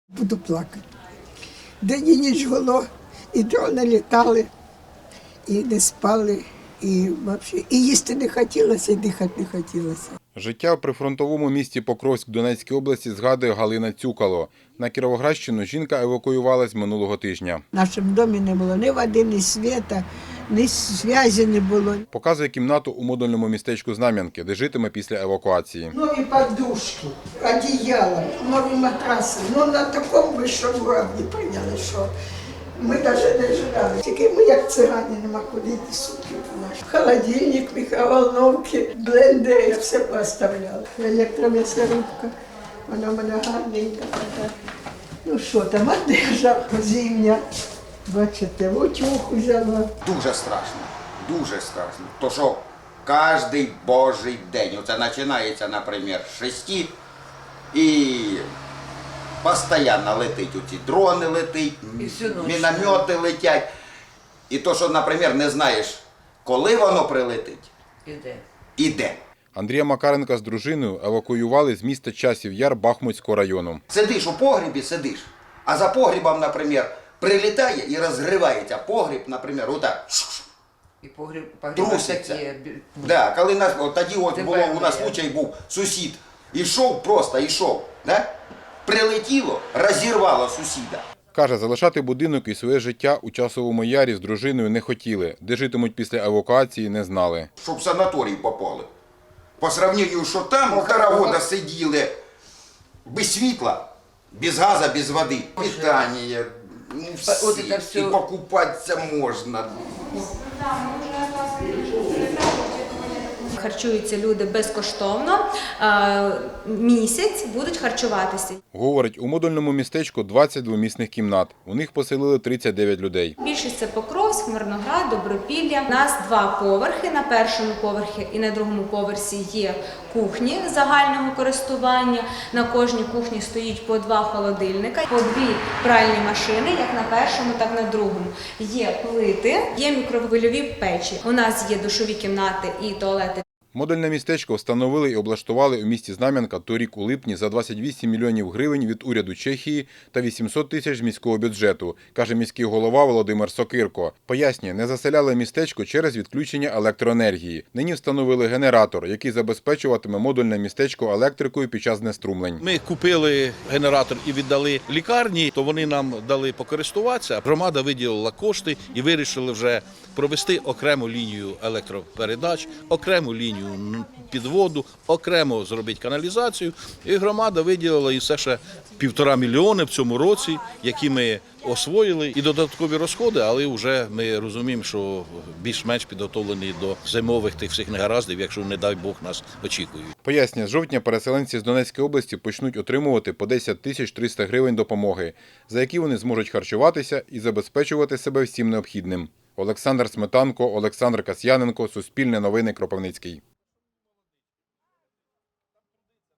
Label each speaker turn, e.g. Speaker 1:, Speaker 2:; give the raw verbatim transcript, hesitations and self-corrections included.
Speaker 1: Буду плакати. День і ніч гуло, і дрони літали, і не спали, і, взагалі, і їсти не хотілося, і дихати не хотілося.
Speaker 2: Життя в прифронтовому місті Покровськ Донецької області згадує Галина Цюкало. На Кіровоградщину жінка евакуювалась минулого тижня.
Speaker 1: В нашому домі не було ні води, ні світа, ні зв'язі не було.
Speaker 2: Показує кімнату у модульному містечку Знам'янки, де житиме після евакуації.
Speaker 1: Нові подушки, одіяла, нові матраси. Ну на такому вищому рівні прийняли, що ми навіть не ждали. Тільки ми, як цигані, нема куди йти сутки. Холодильник, мікроволновки, блендери, все поставляли. Електром'ясорубка, вона в мене гарненька така. Ну що там, одежа зимня. Бачите, утюг взяла.
Speaker 3: Дуже страшно, дуже страшно. То що кожен божий день, оце починається, наприклад, з шести, і постійно летить оці дрони летить, міномети летять. І то, що, наприклад, не знаєш, коли воно прилетить,
Speaker 4: Іде.
Speaker 3: іде.
Speaker 2: Андрія Макаренка з дружиною евакуювали з міста Часів Яр Бахмутського району.
Speaker 3: Сидиш у погрібі, сидиш, а за погрібом, наприклад, прилітає і розривається погріб, наприклад, отак.
Speaker 4: І погріб, погріб
Speaker 3: Труситься.
Speaker 4: такі.
Speaker 3: Да, коли нас, от тоді от
Speaker 4: Тепер
Speaker 3: було, у нас
Speaker 4: є.
Speaker 3: случай був, сусід ішов, просто ішов, да? Прилетіло, розірвало сусіда.
Speaker 2: Каже, залишати будинок і своє життя у Часовому Ярі з дружиною не хотіли. Де житимуть після евакуації, не знали.
Speaker 3: Щоб в санаторій попали. По сравнению, що там півтора года сиділи без світла, без газу, без води. Питання, ну
Speaker 4: От
Speaker 3: всі,
Speaker 4: це все.
Speaker 3: і покупатися можна.
Speaker 5: Харчуються люди безкоштовно, е, місяць будуть харчуватися.
Speaker 2: Говорить, у модульному містечку двадцять двомісних кімнат. У них поселили тридцять дев'ять людей.
Speaker 5: Більшість це Покровськ, Мирноград, Добропілля. У нас два поверхи. На першому поверхі і на другому поверсі є кухні загального користування. На кожній кухні стоїть по два холодильника, по дві пральні машини, як на першому, так і на другому. Є плити, є мікрохвильові печі. У нас є душові кімнати і туалети.
Speaker 2: Модульне містечко встановили і облаштували у місті Знам'янка торік у липні за двадцять вісім мільйонів гривень від уряду Чехії та вісімсот тисяч з міського бюджету, каже міський голова Володимир Сокирко. Пояснює, не заселяли містечко через відключення електроенергії. Нині встановили генератор, який забезпечуватиме модульне містечко електрикою під час знеструмлень.
Speaker 6: Ми купили генератор і віддали лікарні, то вони нам дали покористуватися. Громада виділила кошти і вирішили вже провести окрему лінію електропередач, окрему лінію підводу, окремо зробити каналізацію. І громада виділила і все ще півтора мільйони в цьому році, які ми освоїли. І додаткові розходи, але вже ми розуміємо, що більш-менш підготовлені до зимових тих всіх негараздів, якщо, не дай Бог, нас очікують.
Speaker 2: Пояснює, з жовтня переселенці з Донецької області почнуть отримувати по десять тисяч триста гривень допомоги, за які вони зможуть харчуватися і забезпечувати себе всім необхідним. Олександр Сметанко, Олександр Касьяненко, Суспільне новини, Кропивницький.